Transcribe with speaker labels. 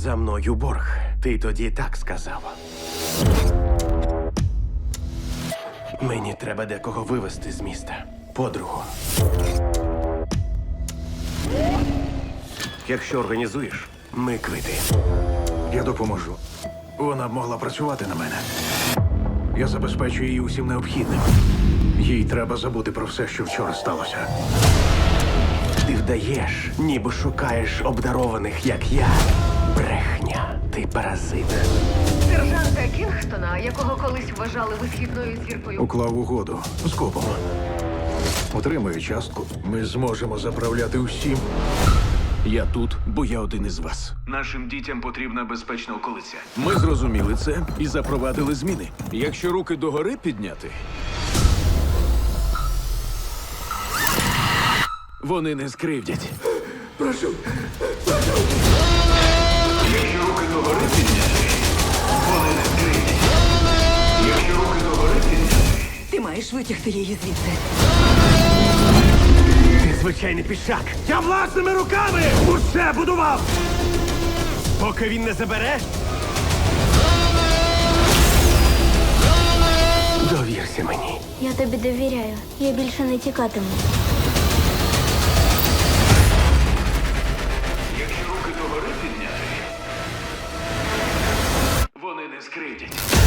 Speaker 1: За мною борг. Ти тоді так сказав. Мені треба декого вивезти з міста. Подругу. Якщо організуєш, ми квити.
Speaker 2: Я допоможу. Вона б могла працювати на мене. Я забезпечу її усім необхідним. Їй треба забути про все, що вчора сталося.
Speaker 1: Ти вдаєш, ніби шукаєш обдарованих, як я. Брехня. Ти паразит.
Speaker 3: Сержанта Кінгстона, якого колись вважали висхідною зіркою.
Speaker 2: Уклав угоду з копом. Отримую частку. Ми зможемо заправляти усім.
Speaker 4: Я тут, бо я один із вас.
Speaker 5: Нашим дітям потрібна безпечна околиця.
Speaker 4: Ми зрозуміли це і запровадили зміни. Якщо руки догори підняти, вони не скривдять.
Speaker 5: Якщо руки догори підняти, вони не скриють. Якщо руки догори підняти,
Speaker 6: Ти маєш витягти її звідси.
Speaker 1: Ти звичайний пішак. Я власними руками усе будував. Поки він не забере. Довірся мені.
Speaker 7: Я тобі довіряю. Я більше не тікатиму.
Speaker 5: якщо руки догори підняти, вони не скриють.